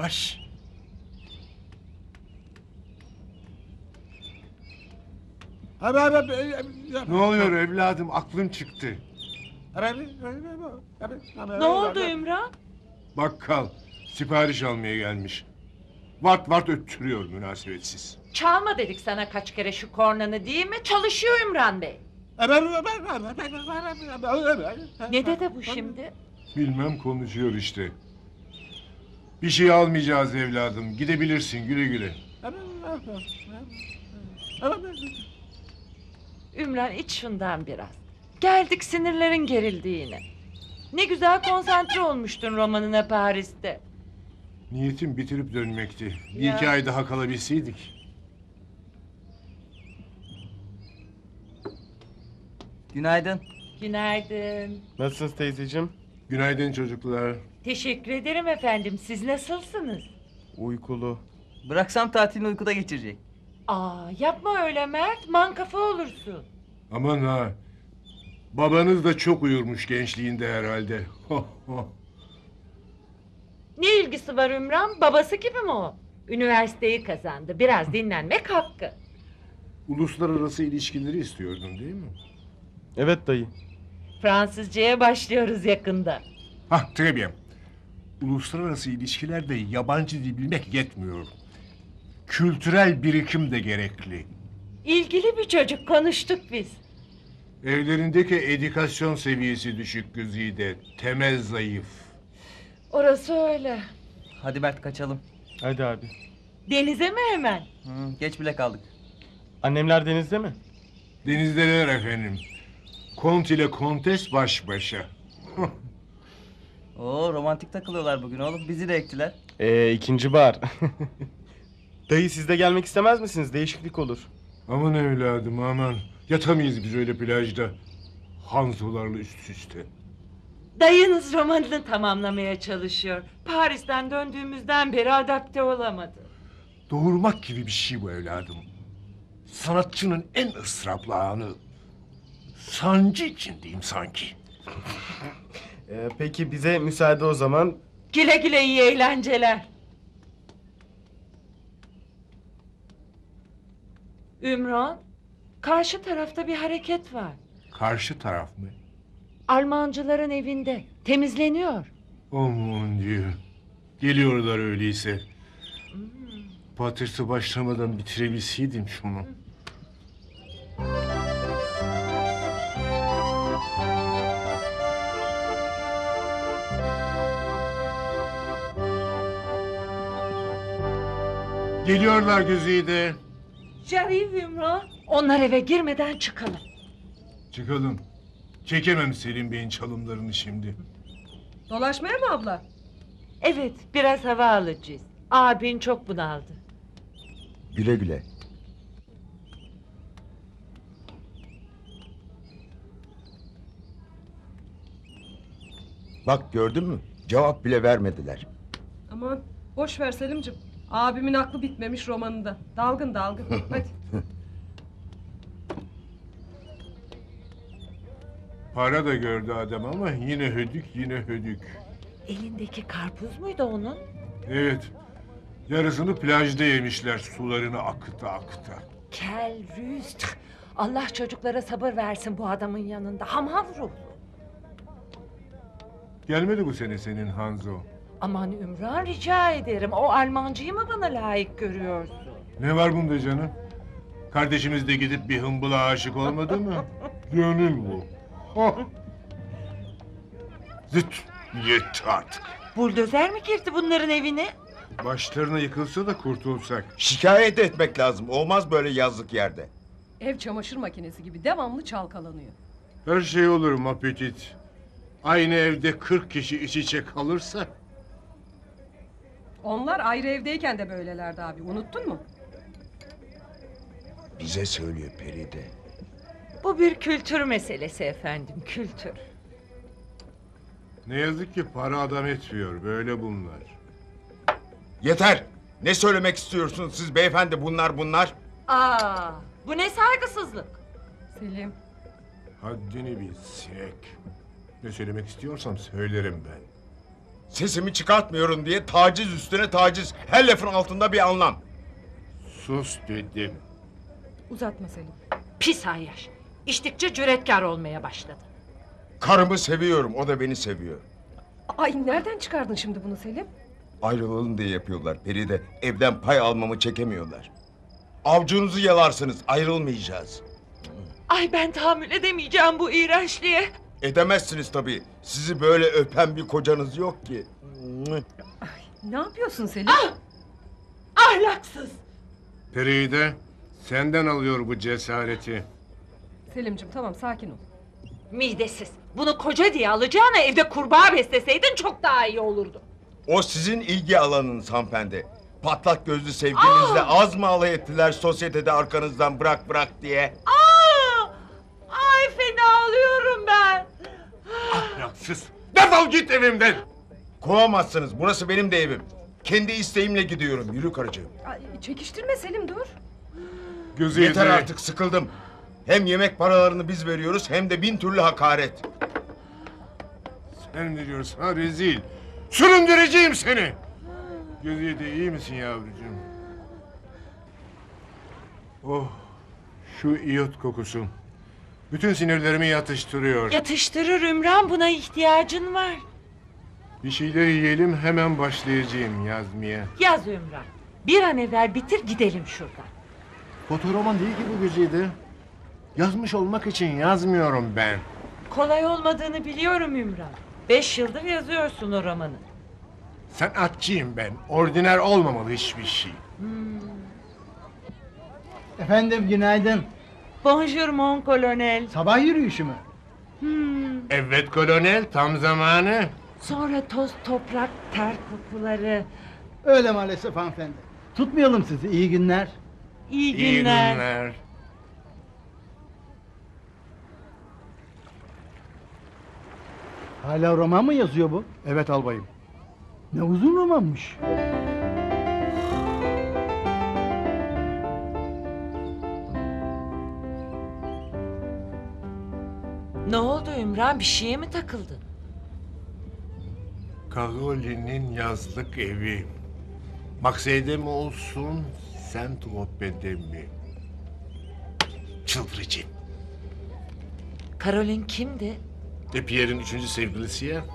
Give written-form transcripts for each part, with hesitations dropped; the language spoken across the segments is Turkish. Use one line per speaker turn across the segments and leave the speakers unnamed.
Yavaş.
Ne oluyor evladım? Aklım çıktı.
Ne oldu Ümran?
Bakkal sipariş almaya gelmiş. Vart vart öttürüyor münasebetsiz.
Çalma dedik sana kaç kere şu kornanı değil mi? Çalışıyor Ümran Bey. Ne dedi bu şimdi?
Bilmem konuşuyor işte. Bir şey almayacağız evladım. Gidebilirsin güle güle.
Ümran iç şundan biraz. Geldik sinirlerin gerildi yine. Ne güzel konsantre olmuştun romanına Paris'te.
Niyetim bitirip dönmekti. Bir
Ya.
iki ay daha kalabilseydik.
Günaydın.
Günaydın.
Nasılsınız teyzeciğim?
Günaydın çocuklar.
Teşekkür ederim efendim. Siz nasılsınız?
Uykulu.
Bıraksam tatilini uykuda geçirecek.
Aa, yapma öyle Mert. Mankafa olursun.
Aman ha. Babanız da çok uyurmuş gençliğinde herhalde.
Ne ilgisi var Ümran? Babası gibi mi o? Üniversiteyi kazandı. Biraz dinlenmek hakkı.
Uluslararası ilişkileri istiyordun değil mi?
Evet dayı.
Fransızcaya başlıyoruz yakında.
Hah, très bien. Uluslararası ilişkilerde yabancı dil bilmek yetmiyor. Kültürel birikim de gerekli.
İlgili bir çocuk, konuştuk biz.
Evlerindeki edükasyon seviyesi düşük Güzide. Temel zayıf.
Orası öyle.
Hadi Mert kaçalım.
Hadi abi.
Denize mi hemen?
Geç bile kaldık.
Annemler denizde mi?
Denizdeler efendim. Kont ile kontes baş başa.
Oo romantik takılıyorlar bugün oğlum. Bizi de ektiler.
İkinci bar. Dayı siz de gelmek istemez misiniz? Değişiklik olur.
Aman evladım aman. Yatamayız biz öyle plajda. Hanzolarla üst üste.
Dayınız romanını tamamlamaya çalışıyor. Paris'ten döndüğümüzden beri adapte olamadı.
Doğurmak gibi bir şey bu evladım. Sanatçının en ıstıraplı anı. Sancı içindeyim sanki.
Peki bize müsaade o zaman.
Güle güle iyi eğlenceler. Ümran, karşı tarafta bir hareket var.
Karşı taraf mı?
Almancıların evinde. Temizleniyor.
Aman Dieu. Geliyorlar öyleyse. Patırtı başlamadan bitirebilseydim şunu. Geliyorlar Güzide.
J'arrive Ümran. Onlar eve girmeden çıkalım.
Çıkalım. Çekemem Selim Bey'in çalımlarını şimdi.
Dolaşmaya mı abla?
Evet, biraz hava alacağız. Abin çok bunaldı.
Güle güle. Bak gördün mü? Cevap bile vermediler.
Aman boş ver Selim'cim. Abimin aklı bitmemiş romanında. Dalgın dalgın. Hadi.
Para da gördü adam ama yine hödük yine hödük.
Elindeki karpuz muydu onun?
Evet. Yarısını plajda yemişler sularını akıta akıta.
Kel rüst. Allah çocuklara sabır versin bu adamın yanında. Hamhav ruhlu.
Gelmedi bu sene senin Hanzo.
Aman Ümran rica ederim. O Almancıyı mı bana layık görüyorsun?
Ne var bunda canım? Kardeşimiz de gidip bir hımbıla aşık olmadı mı? Gönül bu. Oh. Zıt. Yetti artık.
Buldozer mi girdi bunların evine?
Başlarına yıkılsa da kurtulsak.
Şikayet etmek lazım. Olmaz böyle yazlık yerde.
Ev çamaşır makinesi gibi devamlı çalkalanıyor.
Her şey olur Mapetit. Aynı evde 40 kişi iç içe kalırsa.
Onlar ayrı evdeyken de böylelerdi abi. Unuttun mu?
Bize söylüyor Peride.
Bu bir kültür meselesi efendim, kültür.
Ne yazık ki para adam etmiyor. Böyle bunlar.
Yeter! Ne söylemek istiyorsunuz siz beyefendi bunlar?
Aa, bu ne saygısızlık?
Selim.
Haddini bil sinek. Ne söylemek istiyorsam söylerim ben.
Sesimi çıkartmıyorum diye taciz üstüne taciz. Her lafın altında bir anlam.
Sus dedim.
Uzatma Selim.
Pis ayyaş. İçtikçe cüretkar olmaya başladı.
Karımı seviyorum, o da beni seviyor.
Ay nereden çıkardın şimdi bunu Selim?
Ayrılalım diye yapıyorlar Feride. Evden pay almamı çekemiyorlar. Avcunuzu yalarsınız, ayrılmayacağız.
Ay ben tahammül edemeyeceğim bu iğrençliğe.
Edemezsiniz tabii. Sizi böyle öpen bir kocanız yok ki.
Ne yapıyorsun Selim?
Ahlaksız.
Feride, senden alıyor bu cesareti.
Selim'cim tamam sakin ol.
Midesiz. Bunu koca diye alacağına evde kurbağa besleseydin çok daha iyi olurdu.
O sizin ilgi alanınız hanımefendi. Patlak gözlü sevgilinizle az mı alay ettiler sosyetede arkanızdan bırak bırak diye?
Ay fena oluyorum ben.
Ahlaksız. Defol git evimden.
Kovamazsınız, burası benim de evim. Kendi isteğimle gidiyorum, yürü karıcığım.
Ay, çekiştirme Selim dur.
Güzide.
Yeter artık, sıkıldım. Hem yemek paralarını biz veriyoruz hem de 1000 türlü hakaret.
Sen veriyorsun ha rezil. Süründüreceğim seni. Güzide iyi misin yavrucuğum? Oh, şu iyot kokusu. Bütün sinirlerimi yatıştırıyor.
Yatıştırır Ümran, buna ihtiyacın var.
Bir şeyler yiyelim, hemen başlayacağım yazmaya.
Yaz Ümran. Bir an evvel bitir gidelim şuradan.
Fotoroman değil ki bu Güzide. Yazmış olmak için yazmıyorum ben.
Kolay olmadığını biliyorum Ümran. 5 yıldır yazıyorsun o romanı.
Sanatçıyım ben. Ordiner olmamalı hiçbir şey.
Efendim günaydın.
Bonjour mon colonel.
Sabah yürüyüşü mü?
Evet kolonel, tam zamanı.
Sonra toz toprak ter kokuları.
Öyle maalesef hanımefendi. Tutmayalım sizi. İyi günler.
İyi
İyi
günler.
günler.
Hala roman mı yazıyor bu?
Evet albayım.
Ne uzun romanmış.
Ne oldu Ümran, bir şeye mi takıldın?
Karoli'nin yazlık evi. Maksede mi olsun, Saint-Tropez'de mi? Çıldırıcı.
Karolin kimdi?
Pierre'in 3. sevgilisi ya.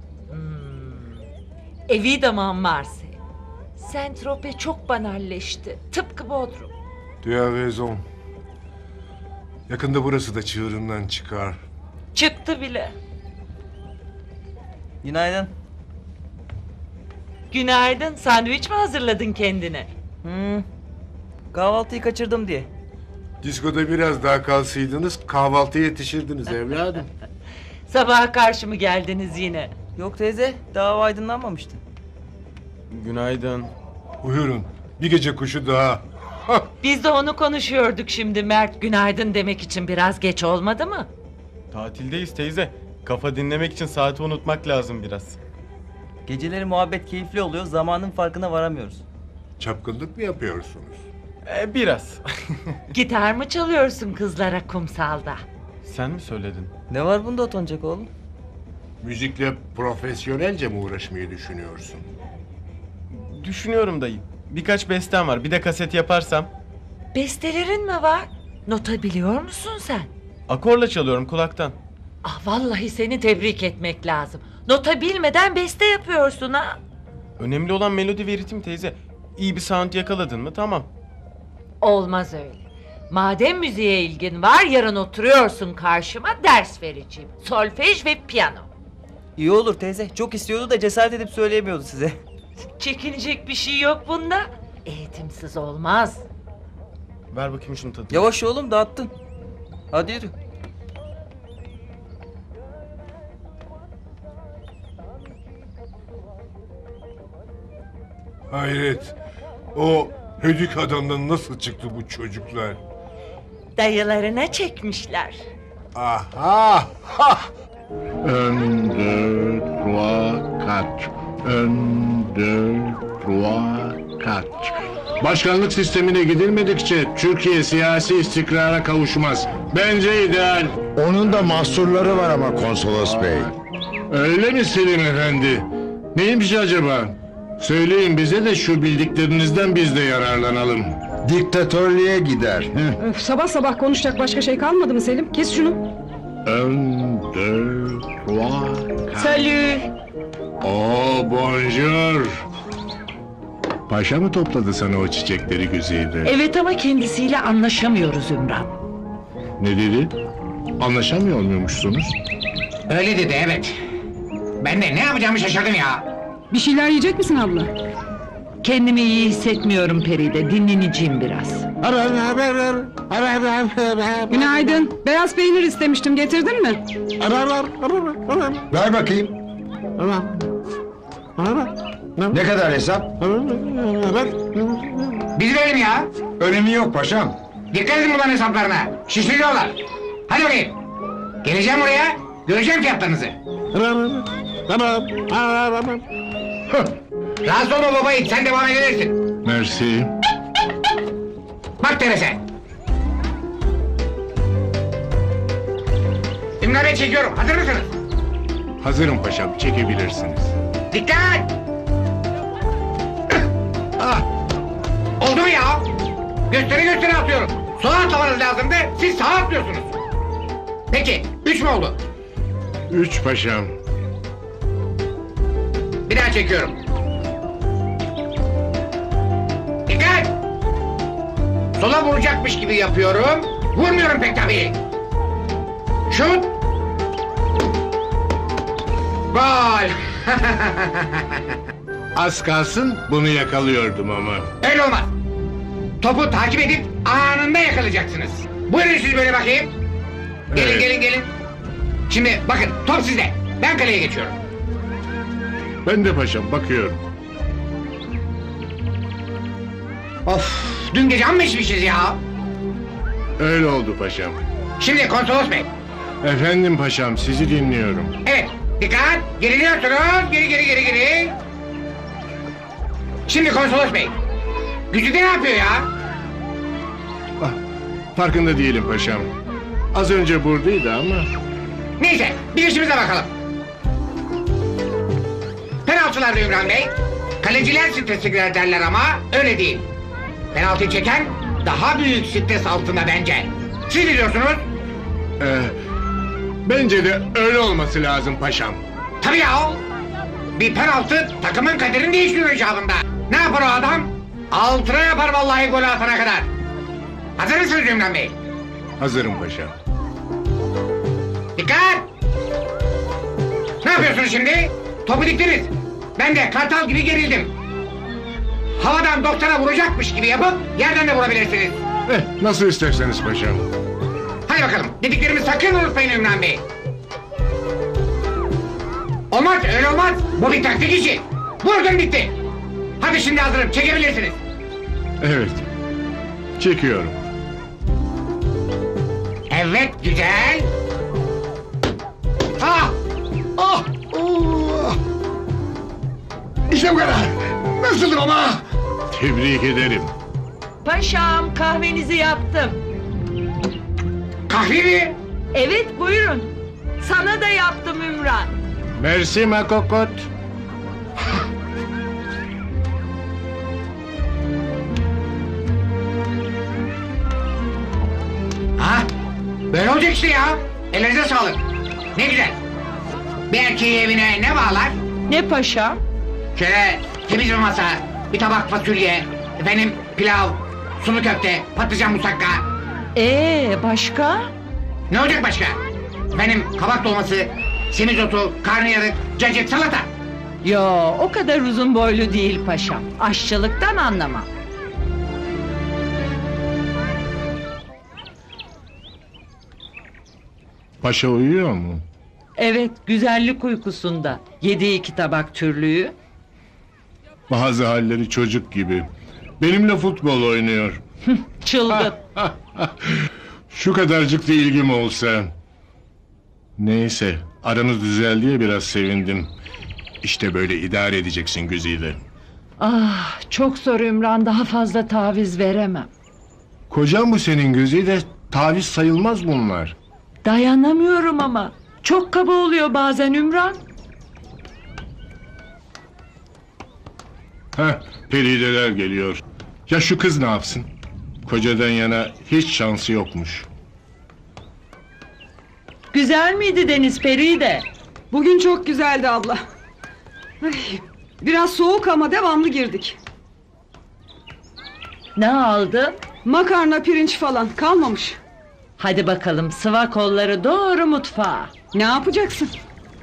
Evi de Marseille. Saint-Tropez çok banalleşti. Tıpkı Bodrum.
Tu as raison. Yakında burası da çığırından çıkar.
Çıktı bile.
Günaydın.
Günaydın. Sandviç mi hazırladın kendine?
Kahvaltıyı kaçırdım diye.
Diskoda biraz daha kalsaydınız kahvaltıya yetişirdiniz evladım.
Sabaha karşı mı geldiniz yine?
Yok teyze, daha aydınlanmamıştı.
Günaydın.
Buyurun, bir gece kuşu daha.
Biz de onu konuşuyorduk şimdi Mert. Günaydın demek için biraz geç olmadı mı?
Tatildeyiz teyze. Kafa dinlemek için saati unutmak lazım biraz.
Geceleri muhabbet keyifli oluyor, zamanın farkına varamıyoruz.
Çapkınlık mı yapıyorsunuz?
Biraz.
Gitar mı çalıyorsun kızlara kumsalda?
Sen mi söyledin?
Ne var bunda utanacak oğlum?
Müzikle profesyonelce mi uğraşmayı düşünüyorsun?
Düşünüyorum dayı. Birkaç bestem var. Bir de kaset yaparsam.
Bestelerin mi var? Nota biliyor musun sen?
Akorla çalıyorum kulaktan.
Ah vallahi seni tebrik etmek lazım. Nota bilmeden beste yapıyorsun ha.
Önemli olan melodi ve ritim teyze. İyi bir sound yakaladın mı tamam.
Olmaz öyle. Madem müziğe ilgin var, yarın oturuyorsun karşıma, ders vereceğim. Solfej ve piyano.
İyi olur teyze, çok istiyordu da cesaret edip söyleyemiyordu size.
Çekinecek bir şey yok bunda. Eğitimsiz olmaz.
Ver bakayım şunu tadına.
Yavaş oğlum, dağıttın. Hadi yürü.
Hayret. O hödük adamdan nasıl çıktı bu çocuklar?
Dayılarına çekmişler.
Aha! Ha!
1, 2, 3, 4. 1, 2, 3, 4. Başkanlık sistemine gidilmedikçe Türkiye siyasi istikrara kavuşmaz. Bence ideal.
Onun da mahsurları var ama konsolos bey.
Öyle mi Selim Efendi? Neymiş acaba? Söyleyin bize de şu bildiklerinizden biz de yararlanalım.
Diktatörlüğe gider.
Öf, sabah sabah konuşacak başka şey kalmadı mı Selim? Kes şunu.
Un, deux, trois,
Salü.
Oh, bonjour. Paşa mı topladı sana o çiçekleri Güzide?
Evet ama kendisiyle anlaşamıyoruz Ümran.
Ne dedi? Anlaşamıyor muymuşsunuz?
Öyle dedi evet. Ben de ne yapacağımı şaşırdım ya.
Bir şeyler yiyecek misin abla?
Kendimi iyi hissetmiyorum Peride. Dinleneceğim biraz.
Günaydın. Beyaz peynir istemiştim. Getirdin mi?
Ver bakayım. Ne kadar hesap?
Biz verelim ya.
Önemi yok paşam.
Dikkat edin bunların hesaplarına. Şişiriyorlar. Hadi bakayım. Geleceğim oraya. Göreceğim fiyatlarınızı. Rahatsız olma baba it. Sen devam edebilirsin.
Mersi.
Bak Terese. Ümran Bey çekiyorum. Hazır mısınız?
Hazırım paşam, çekebilirsiniz.
Dikkat! Ah! Oldu mu ya? Gösteri atıyorum. Sola atlamanız lazımdı, siz sağa atlıyorsunuz. Peki, 3 mü oldu?
3 paşam.
Bir daha çekiyorum. Dikkat! Sola vuracakmış gibi yapıyorum. Vurmuyorum pek tabii. Şut! Gol!
Az kalsın bunu yakalıyordum ama.
Öyle olmaz. Topu takip edip anında yakalayacaksınız. Buyurun siz böyle bakayım. Gelin
Evet.
gelin. Şimdi bakın top sizde. Ben kaleye geçiyorum.
Ben de paşam, bakıyorum.
Of, dün gece amma içmişiz ya.
Öyle oldu paşam.
Şimdi konsolos bey.
Efendim paşam, sizi dinliyorum.
Evet, dikkat. Geriliyorsunuz. Geri. Şimdi konsolos bey. Gücü de ne yapıyor ya?
Ah, farkında değilim paşam. Az önce buradaydı ama...
Neyse, bir işimize bakalım. Penaltılarda Ümran Bey. Kaleciler strese girer derler ama öyle değil. Penaltıyı çeken daha büyük stres altında bence. Siz biliyorsunuz.
Bence de öyle olması lazım paşam.
Tabii ya. Bir penaltı takımın kaderini değiştiriyor icabında. Ne yapar o adam? Altına yapar vallahi golü atana kadar. Hazır mısınız Ümran Bey?
Hazırım paşam.
Dikkat! Ne yapıyorsunuz şimdi? Topu diktiniz. Ben de kartal gibi gerildim. Havadan doktora vuracakmış gibi yapıp yerden de vurabilirsiniz.
Nasıl isterseniz paşam.
Hadi bakalım. Dediklerimi sakın unutmayın Ümran Bey. Olmaz, öyle olmaz. Bu bir taktik işi. Vurdum bitti. Hadi şimdi hazırım. Çekebilirsiniz.
Evet. Çekiyorum.
Evet, güzel. Ah!
Ah! Oh! İşte bu kadar. Nasıldır ama?
Tebrik ederim.
Paşam kahvenizi yaptım.
Kahve mi?
Evet buyurun. Sana da yaptım Ümran.
Mersi makokot.
Ha? Böyle olacak işte ya. Elinize sağlık. Ne güzel. Bir erkeği evine ne bağlar?
Ne paşam?
Şöyle temiz bir masa, bir tabak fasulye, efendim pilav, sulu köfte, patlıcan musakka.
Başka?
Ne olacak başka? Efendim kabak dolması, semizotu, karnıyarık, cacık, salata.
Yo o kadar uzun boylu değil paşam. Aşçılıktan anlamam.
Paşa uyuyor mu?
Evet güzellik uykusunda. Yediği 2 tabak türlüğü.
Bazı halleri çocuk gibi. Benimle futbol oynuyor.
Çılgın.
Şu kadarcık da ilgim olsa. Neyse, aranız düzeldi diye biraz sevindim. İşte böyle idare edeceksin Güzide.
Ah çok zor Ümran, daha fazla taviz veremem.
Kocan bu senin Güzide, taviz sayılmaz bunlar.
Dayanamıyorum ama. Çok kaba oluyor bazen Ümran.
Heh, Perideler geliyor. Ya şu kız ne yapsın? Kocadan yana hiç şansı yokmuş.
Güzel miydi Deniz Peride?
Bugün çok güzeldi abla. Ay, biraz soğuk ama devamlı girdik.
Ne aldın?
Makarna, pirinç falan kalmamış.
Hadi bakalım sıva kolları doğru mutfağa.
Ne yapacaksın?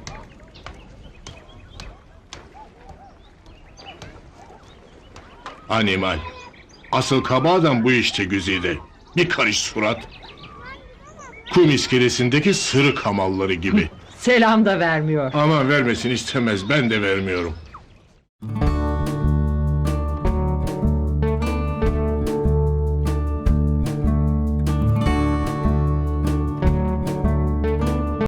Animal. Asıl kaba adam bu işte Güzide. Bir karış surat. Kum iskelesindeki sırık hamalları gibi.
Selam da vermiyor.
Ama vermesini istemez, ben de vermiyorum.